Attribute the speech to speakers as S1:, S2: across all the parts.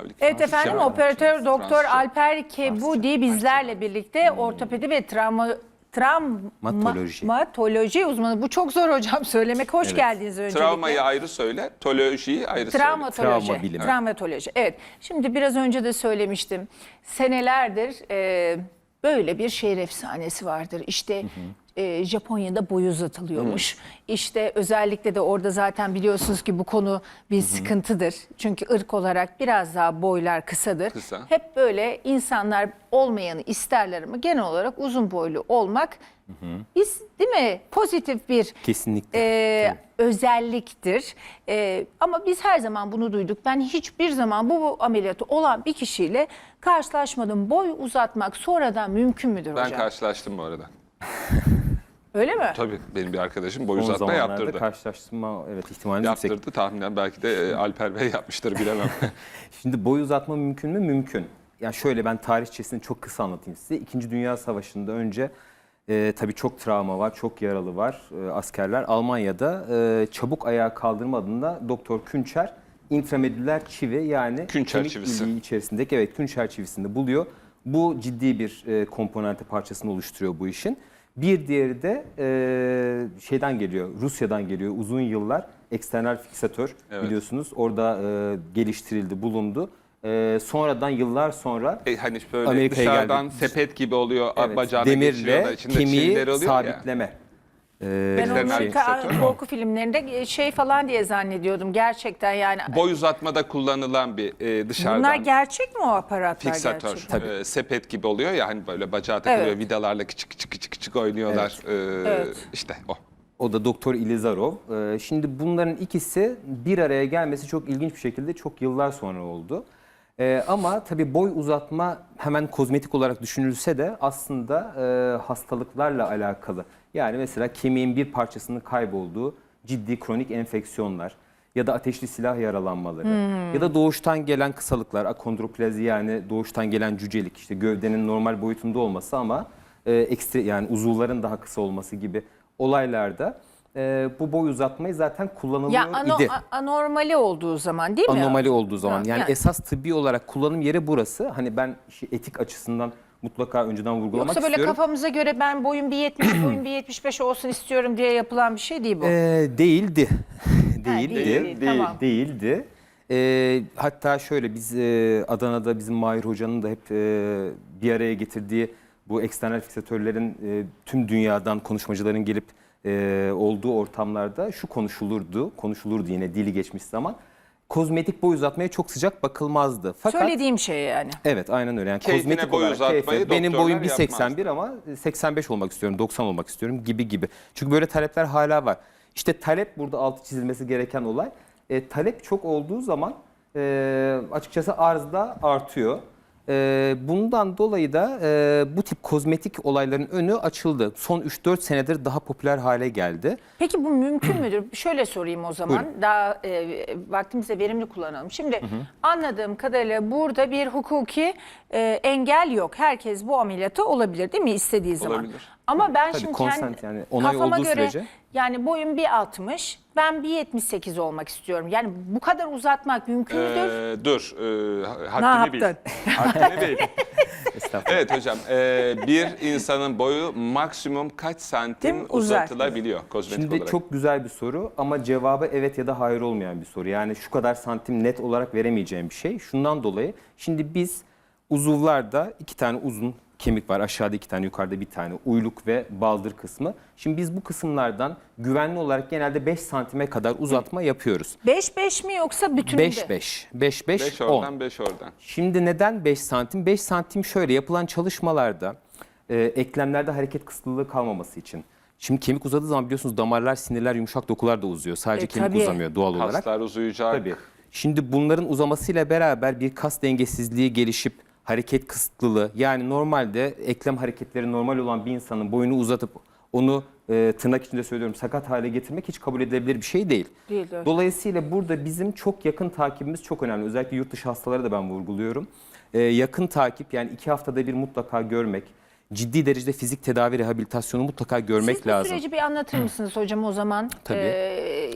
S1: Evet efendim,
S2: Fransızca.
S1: operatör doktor
S2: Fransızca.
S1: Alper Kebudi bizlerle birlikte ortopedi ve travmatoloji uzmanı. Bu çok zor hocam söylemek. Hoş geldiniz öncelikle.
S2: Travmayı ayrı söyle, tolojiyi ayrı söyle.
S1: Travmatoloji.
S3: Travma bilimi.
S1: Travmatoloji. Evet. Şimdi biraz önce de söylemiştim. Senelerdir böyle bir şehir efsanesi vardır. İşte Japonya'da boy uzatılıyormuş. İşte özellikle de orada zaten biliyorsunuz ki bu konu bir sıkıntıdır. Çünkü ırk olarak biraz daha boylar kısadır.
S2: Kısa.
S1: Hep böyle insanlar olmayanı isterler ama genel olarak uzun boylu olmak biz değil mi pozitif bir
S3: Kesinlikle.
S1: özelliktir. Ama biz her zaman bunu duyduk. Ben hiçbir zaman bu ameliyatı olan bir kişiyle karşılaşmadım. Boy uzatmak sonradan mümkün müdür
S2: Ben
S1: hocam?
S2: karşılaştım bu arada.
S1: Öyle mi?
S2: Tabii benim bir arkadaşım boy
S3: Son
S2: uzatma
S3: zamanlarda
S2: yaptırdı.
S3: karşılaştırma ihtimaliniz yüksek.
S2: Yaptırdı tahminen, belki de Alper Bey yapmıştır, bilemem.
S3: Şimdi boy uzatma mümkün mü? Mümkün. Yani şöyle, ben tarihçesini çok kısa anlatayım size. İkinci Dünya Savaşı'nda önce tabii çok travma var, çok yaralı var askerler. Almanya'da çabuk ayağa kaldırma adında Doktor Künçer intramedüler çivi, yani
S2: Künçer
S3: kemik
S2: çivisi.
S3: iliği içerisindeki Künçer çivisinde buluyor. Bu ciddi bir komponente parçasını oluşturuyor bu işin. Bir diğeri de şeyden geliyor, Rusya'dan geliyor. Uzun yıllar eksternal fiksatör,
S2: Evet.
S3: biliyorsunuz. Orada geliştirildi, bulundu. Sonradan, yıllar sonra
S2: Hani böyle
S3: Amerika'ya
S2: dışarıdan
S3: geldik.
S2: sepet gibi oluyor, bacağına geçiriyor da
S3: demirle
S2: içinde çiviler
S3: kemiği
S2: oluyor ya.
S3: sabitleme.
S1: Ben
S2: Eksternal
S1: onları
S2: fiksatör.
S1: korku filmlerinde şey falan diye zannediyordum. Gerçekten yani.
S2: Boy uzatmada kullanılan bir dışarıdan
S1: Bunlar gerçek mi o aparatlar
S2: fiksatör.
S1: gerçekten?
S2: Sepet gibi oluyor ya, hani böyle bacağa takılıyor,
S1: Evet.
S2: vidalarla küçük küçük küçük oynuyorlar.
S1: Evet.
S2: İşte o.
S3: O da Doktor Ilizarov. Şimdi bunların ikisi bir araya gelmesi çok ilginç bir şekilde çok yıllar sonra oldu. Ama tabii boy uzatma hemen kozmetik olarak düşünülse de aslında hastalıklarla alakalı. Yani mesela kemiğin bir parçasının kaybolduğu ciddi kronik enfeksiyonlar ya da ateşli silah yaralanmaları ya da doğuştan gelen kısalıklar, akondroplazi, yani doğuştan gelen cücelik, işte gövdenin normal boyutunda olması ama ekstra, yani uzuvların daha kısa olması gibi olaylarda bu boy uzatmayı zaten kullanılıyor
S1: Ya
S3: idi.
S1: anormali olduğu zaman değil mi?
S3: Anomali olduğu zaman. Yani
S1: yani.
S3: esas tıbbi olarak kullanım yeri burası. Hani ben etik açısından mutlaka önceden vurgulamak
S1: Yoksa böyle
S3: istiyorum.
S1: kafamıza göre ben boyum bir 70, boyum bir 75 olsun istiyorum diye yapılan bir şey değil bu.
S3: Değildi.
S1: değil, tamam.
S3: Değildi. Hatta şöyle, biz Adana'da bizim Mahir Hoca'nın da hep bir araya getirdiği bu eksternal fiksatörlerin tüm dünyadan konuşmacıların gelip olduğu ortamlarda şu konuşulurdu yine dili geçmiş zaman. Kozmetik boy uzatmaya çok sıcak bakılmazdı. Fakat
S1: Söylediğim şey yani.
S3: evet, aynen öyle. Yani
S2: Keyfine
S3: kozmetik
S2: boy
S3: olarak
S2: uzatmayı
S3: benim
S2: doktorlar
S3: boyum
S2: yapmazdı.
S3: 1.81 ama 85 olmak istiyorum, 90 olmak istiyorum gibi. Çünkü böyle talepler hala var. İşte talep burada altı çizilmesi gereken olay. Talep çok olduğu zaman açıkçası arz da artıyor. Bundan dolayı da bu tip kozmetik olayların önü açıldı. Son 3-4 senedir daha popüler hale geldi.
S1: Peki bu mümkün müdür? Şöyle sorayım o zaman.
S3: Buyurun.
S1: Daha vaktimizi verimli kullanalım. Şimdi anladığım kadarıyla burada bir hukuki engel yok. Herkes bu ameliyatı olabilir değil mi istediği zaman?
S2: Olabilir.
S1: Ama ben
S3: Tabii,
S1: şimdi
S3: consent, yani onay
S1: kafama
S3: olduğu
S1: göre
S3: sürece.
S1: yani boyum 1.60, ben 1.78 olmak istiyorum. Yani bu kadar uzatmak mümkün müdür?
S2: Dur,
S1: Ne
S2: haddini bil.
S1: yaptın?
S2: Haddini bil.
S3: Estağfurullah.
S2: Evet hocam, bir insanın boyu maksimum kaç santim
S1: Değil mi? Uzar.
S2: uzatılabiliyor kozmetik
S3: Şimdi
S2: olarak?
S3: çok güzel bir soru ama cevabı evet ya da hayır olmayan bir soru. Yani şu kadar santim net olarak veremeyeceğim bir şey. Şundan dolayı, şimdi biz uzuvlarda 2 tane uzun kemik var. Aşağıda 2 tane, yukarıda 1 tane. Uyluk ve baldır kısmı. Şimdi biz bu kısımlardan güvenli olarak genelde 5 santime kadar uzatma yapıyoruz.
S1: 5-5 mi yoksa bütününde?
S3: 5-5. 5-5,
S2: 5
S3: 10.
S2: oradan 5 oradan.
S3: Şimdi neden 5 santim? 5 santim şöyle, yapılan çalışmalarda eklemlerde hareket kısıtlılığı kalmaması için. Şimdi kemik uzadığı zaman biliyorsunuz damarlar, sinirler, yumuşak dokular da uzuyor. Sadece kemik
S1: tabii.
S3: uzamıyor doğal olarak.
S2: Kaslar uzayacak.
S3: Tabii. Şimdi bunların uzamasıyla beraber bir kas dengesizliği gelişip hareket kısıtlılığı, yani normalde eklem hareketleri normal olan bir insanın boyunu uzatıp onu tırnak içinde söylüyorum sakat hale getirmek hiç kabul edilebilir bir şey değil.
S1: Değil, evet.
S3: Dolayısıyla burada bizim çok yakın takibimiz çok önemli. Özellikle yurt dışı hastalara da ben vurguluyorum. Yakın takip, yani 2 haftada bir mutlaka görmek, ciddi derecede fizik tedavi rehabilitasyonu mutlaka görmek
S1: Siz bu
S3: lazım.
S1: süreci bir anlatır mısınız hocam o zaman?
S3: Tabii.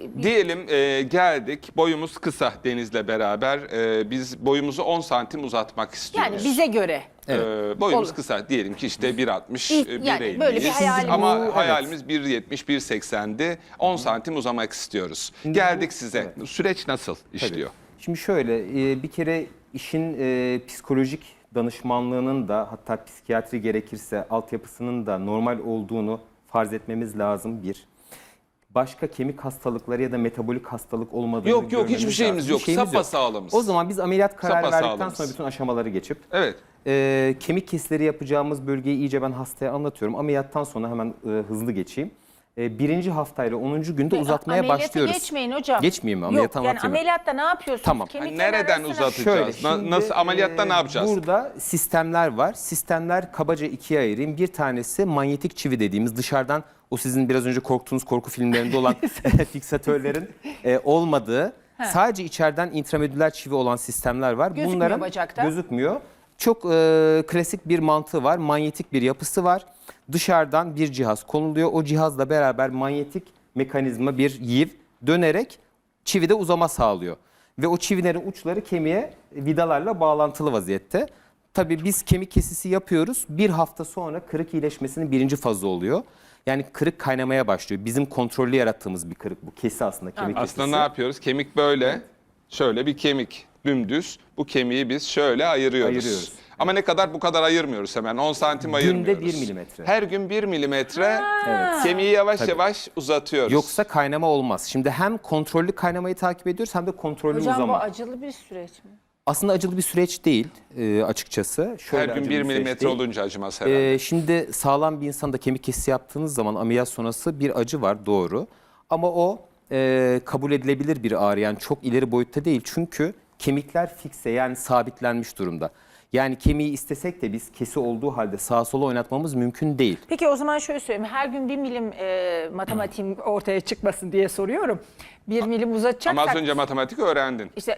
S2: Diyelim geldik, boyumuz kısa Deniz'le beraber. Biz boyumuzu 10 santim uzatmak istiyoruz.
S1: yani bize göre.
S2: Boyumuz
S1: Olur.
S2: kısa. Diyelim ki işte 1.60,
S1: Yani
S2: 1.50'yiz.
S1: böyle bir hayalimiz.
S2: Ama
S3: Evet.
S2: hayalimiz 1.70, 1.80'di. 10 santim uzamak istiyoruz. Geldik size. Süreç nasıl işliyor?
S3: Şimdi şöyle bir kere işin psikolojik danışmanlığının da hatta psikiyatri gerekirse altyapısının da normal olduğunu farz etmemiz lazım bir. Başka kemik hastalıkları ya da metabolik hastalık olmadığını
S2: Yok,
S3: görmemiz
S2: hiçbir şeyimiz
S3: lazım.
S2: yok.
S3: Bir şeyimiz
S2: Sapasağlamız.
S3: O zaman biz ameliyat kararı verdikten
S2: Sapasağlamız.
S3: sonra bütün aşamaları geçip
S2: Evet.
S3: kemik kesileri yapacağımız bölgeyi iyice ben hastaya anlatıyorum. Ameliyattan sonra hemen hızlı geçeyim. Birinci haftayla 10. günde uzatmaya
S1: Ameliyata
S3: başlıyoruz.
S1: geçmeyin hocam.
S3: Geçmeyeyim mi?
S1: Yok,
S3: Ameliyatı
S1: yani
S3: anlatayım mı?
S1: ameliyatta ne yapıyorsunuz?
S3: Tamam.
S1: Kemiklerin
S2: Nereden
S1: arasına-
S2: uzatacağız?
S3: Şöyle,
S2: Nasıl ameliyatta ne yapacağız?
S3: Burada sistemler var. Sistemler kabaca ikiye ayırayım. Bir tanesi manyetik çivi dediğimiz dışarıdan o sizin biraz önce korktuğunuz korku filmlerinde olan fiksatörlerin olmadığı sadece içeriden intramedüler çivi olan sistemler var.
S1: Gözükmüyor
S3: Bunların
S1: bacakta.
S3: gözükmüyor. Çok klasik bir mantığı var. Manyetik bir yapısı var. Dışarıdan bir cihaz konuluyor. O cihazla beraber manyetik mekanizma bir yiv dönerek çivide uzama sağlıyor. Ve o çivilerin uçları kemiğe vidalarla bağlantılı vaziyette. Tabii biz kemik kesisi yapıyoruz. Bir hafta sonra kırık iyileşmesinin birinci fazı oluyor. Yani kırık kaynamaya başlıyor. Bizim kontrollü yarattığımız bir kırık bu. Kesi aslında kemik kesisi.
S2: Aslında ne yapıyoruz? Kemik böyle. Şöyle bir kemik. Dümdüz. Bu kemiği biz şöyle ayırıyoruz. Ama ne kadar? Bu kadar ayırmıyoruz hemen. 10 santim ayırmıyoruz.
S3: 1 milimetre.
S2: Her gün 1 milimetre kemiği yavaş yavaş uzatıyoruz.
S3: Yoksa kaynama olmaz. Şimdi hem kontrollü kaynamayı takip ediyoruz hem de kontrollü
S1: Hocam
S3: uzama.
S1: bu acılı bir süreç mi?
S3: Aslında acılı bir süreç değil açıkçası. Şöyle
S2: Her gün
S3: acılı
S2: 1
S3: bir süreç
S2: milimetre
S3: değil.
S2: olunca acımaz herhalde.
S3: Şimdi sağlam bir insanda kemik kesisi yaptığınız zaman ameliyat sonrası bir acı var, doğru. Ama o kabul edilebilir bir ağrı, yani çok ileri boyutta değil. Çünkü kemikler fikse, yani sabitlenmiş durumda. Yani kemiği istesek de biz kesi olduğu halde sağa sola oynatmamız mümkün değil.
S1: Peki o zaman şöyle söyleyeyim. Her gün 1 milim matematiğim ortaya çıkmasın diye soruyorum. 1 milim uzatacaksak...
S2: Ama az önce matematik öğrendin.
S1: İşte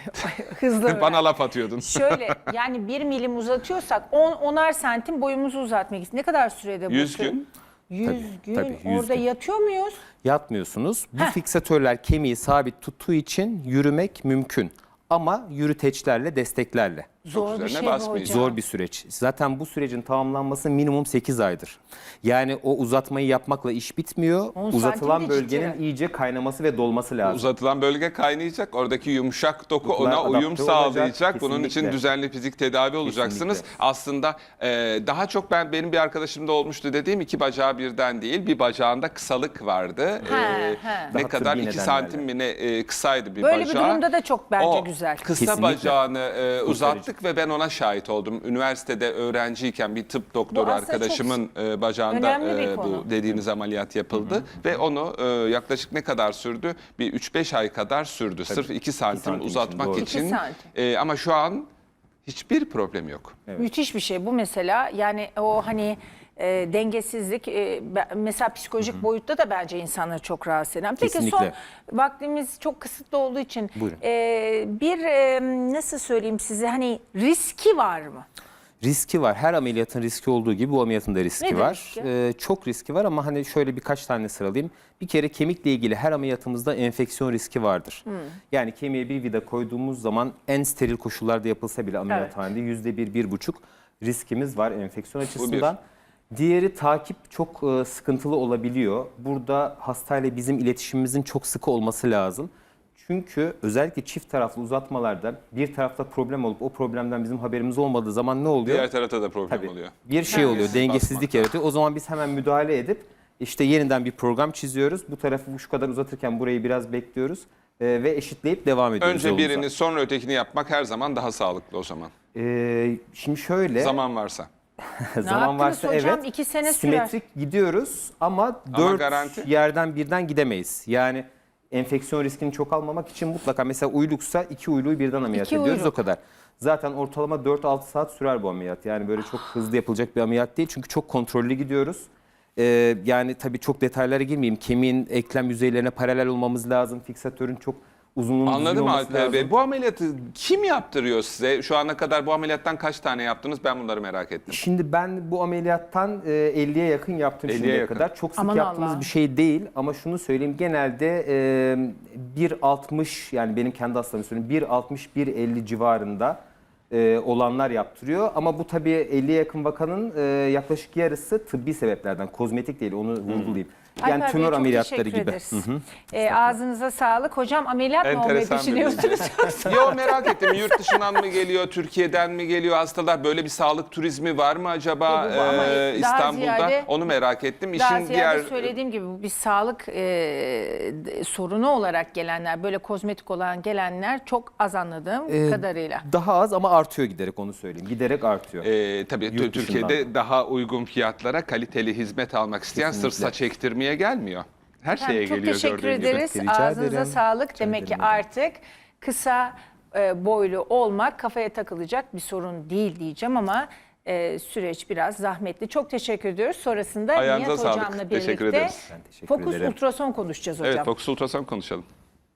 S1: hızlı öğren.
S2: Bana laf atıyordun.
S1: Şöyle yani 1 milim uzatıyorsak 10'ar santim boyumuzu uzatmak istiyoruz. Ne kadar sürede bu?
S2: 100 gün.
S1: 100 gün.
S3: tabii, 100
S1: Orada
S3: gün.
S1: yatıyor muyuz?
S3: Yatmıyorsunuz. Bu fiksatörler kemiği sabit tuttuğu için yürümek mümkün. Ama yürüteçlerle, desteklerle.
S1: Zor bir
S2: üzerine
S1: şey bu
S2: basmayacağız.
S1: hocam.
S3: Zor bir süreç. Zaten bu sürecin tamamlanması minimum 8 aydır. Yani o uzatmayı yapmakla iş bitmiyor.
S1: 10
S3: Uzatılan
S1: santim de ciddi.
S3: bölgenin iyice kaynaması ve dolması lazım.
S2: Uzatılan bölge kaynayacak. Oradaki yumuşak doku
S3: Dokular
S2: ona uyum
S3: adapte olacak,
S2: sağlayacak. Bunun için
S3: kesinlikle.
S2: düzenli fizik tedavi olacaksınız.
S3: Kesinlikle.
S2: Aslında daha çok benim bir arkadaşımda olmuştu dediğim 2 bacağı birden değil. Bir bacağında kısalık vardı. Ne
S3: Daha
S2: kadar
S3: tıbbi
S2: 2 santim mi ne kısaydı bir
S1: Böyle
S2: bacağı.
S1: bir durumda da çok bence
S2: O
S1: güzel.
S2: kısa
S3: Kesinlikle.
S2: bacağını uzattık ve ben ona şahit oldum. Üniversitede öğrenciyken bir tıp doktoru
S1: aslında çok
S2: arkadaşımın bacağında
S1: önemli bir konu.
S2: bu dediğiniz ameliyat yapıldı. Ve onu yaklaşık ne kadar sürdü? Bir 3-5 ay kadar sürdü. Sırf 2 santim
S3: santim için,
S2: uzatmak
S3: doğru.
S2: için.
S1: 2 santim.
S2: Ama şu an hiçbir problem yok.
S1: Müthiş bir şey bu mesela. Yani o hani dengesizlik mesela psikolojik boyutta da bence insanları çok rahatsız eden. Peki son
S3: Kesinlikle.
S1: vaktimiz çok kısıtlı olduğu için
S3: Buyurun.
S1: nasıl söyleyeyim size, hani riski var mı?
S3: Riski var. Her ameliyatın riski olduğu gibi bu ameliyatın da riski
S1: Nedir
S3: var.
S1: riski?
S3: Çok riski var ama hani şöyle birkaç tane sıralayayım. Bir kere kemikle ilgili her ameliyatımızda enfeksiyon riski vardır. Yani kemiğe bir vida koyduğumuz zaman en steril koşullarda yapılsa bile ameliyathanede %1-1,5 riskimiz var enfeksiyon açısından. Diğeri takip çok sıkıntılı olabiliyor. Burada hastayla bizim iletişimimizin çok sıkı olması lazım. Çünkü özellikle çift taraflı uzatmalarda bir tarafta problem olup o problemden bizim haberimiz olmadığı zaman ne oluyor?
S2: Diğer tarafta da problem
S3: Tabii.
S2: oluyor.
S3: Bir şey oluyor,
S2: Dengesizlik
S3: dengesizlik
S2: basmakta.
S3: yaratıyor. O zaman biz hemen müdahale edip işte yeniden bir program çiziyoruz. Bu tarafı şu kadar uzatırken burayı biraz bekliyoruz ve eşitleyip devam ediyoruz
S2: Önce
S3: yolumuza.
S2: birini sonra ötekini yapmak her zaman daha sağlıklı o zaman.
S3: Şimdi şöyle
S2: Zaman varsa.
S3: zaman
S1: yaptınız
S3: varsa
S1: hocam?
S3: evet
S1: 2 sene sürer.
S3: simetrik gidiyoruz ama 4
S2: garanti?
S3: yerden birden gidemeyiz. Yani enfeksiyon riskini çok almamak için mutlaka mesela uyluksa 2 uyluğu birden ameliyat
S1: İki
S3: ediyoruz
S1: uyluk.
S3: o kadar. Zaten ortalama 4-6 saat sürer bu ameliyat. Yani böyle çok hızlı yapılacak bir ameliyat değil. Çünkü çok kontrollü gidiyoruz. Yani tabii çok detaylara girmeyeyim. Kemiğin eklem yüzeylerine paralel olmamız lazım. Fiksatörün çok uzunluğun düzgün
S2: Anladım
S3: olması
S2: Alper Bey.
S3: lazım.
S2: Bu ameliyatı kim yaptırıyor size? Şu ana kadar bu ameliyattan kaç tane yaptınız? Ben bunları merak ettim.
S3: Şimdi ben bu ameliyattan 50'ye yakın yaptım
S2: 50'ye
S3: şimdiye
S2: yakın.
S3: kadar. Çok sık
S1: Aman
S3: yaptığımız
S1: Allah.
S3: bir şey değil ama şunu söyleyeyim, genelde 1.60, yani benim kendi hastamı söyleyeyim, 1.60-1.50 civarında olanlar yaptırıyor. Ama bu tabii 50'ye yakın vakanın yaklaşık yarısı tıbbi sebeplerden, kozmetik değil, onu vurgulayayım. Yani
S1: Alper Bey,
S3: tümör
S1: çok
S3: ameliyatları
S1: teşekkür
S3: gibi.
S1: ederiz. Ağzınıza sağlık. Hocam ameliyat mı olmayı
S2: Enteresan bir
S1: düşünüyorsunuz?
S2: Yo, merak ettim. Yurt dışından mı geliyor, Türkiye'den mi geliyor hastalar? Böyle bir sağlık turizmi var mı acaba
S1: Yok, bu ama daha
S2: İstanbul'da?
S1: ziyade-
S2: Onu merak ettim.
S1: Daha
S2: İşin
S1: ziyade
S2: diğer
S1: söylediğim gibi bu bir sağlık sorunu olarak gelenler, böyle kozmetik olan gelenler çok az anladığım kadarıyla.
S3: Daha az ama artıyor giderek, onu söyleyeyim. Giderek artıyor.
S2: tabii
S3: Yurt
S2: Türkiye'de
S3: dışından.
S2: daha uygun fiyatlara kaliteli hizmet almak isteyen sırf
S3: Kesinlikle.
S2: saç ektirmeye gelmiyor. Her şeye
S1: Çok
S2: geliyor
S1: teşekkür
S2: gördüğün gibi.
S1: ederiz.
S3: Rica
S1: Ağzınıza
S3: ederim.
S1: sağlık.
S3: Rica
S1: Demek ki
S3: ederim.
S1: artık kısa boylu olmak kafaya takılacak bir sorun değil diyeceğim ama süreç biraz zahmetli. Çok teşekkür ediyoruz. Sonrasında
S2: Ayağınıza
S1: Nihat
S2: sağlık.
S1: Hocam'la
S2: Teşekkür
S1: birlikte
S2: ederiz.
S3: Ben teşekkür
S1: Fokus
S3: ederim.
S1: ultrason konuşacağız hocam.
S2: Evet, Fox Ultrason konuşalım.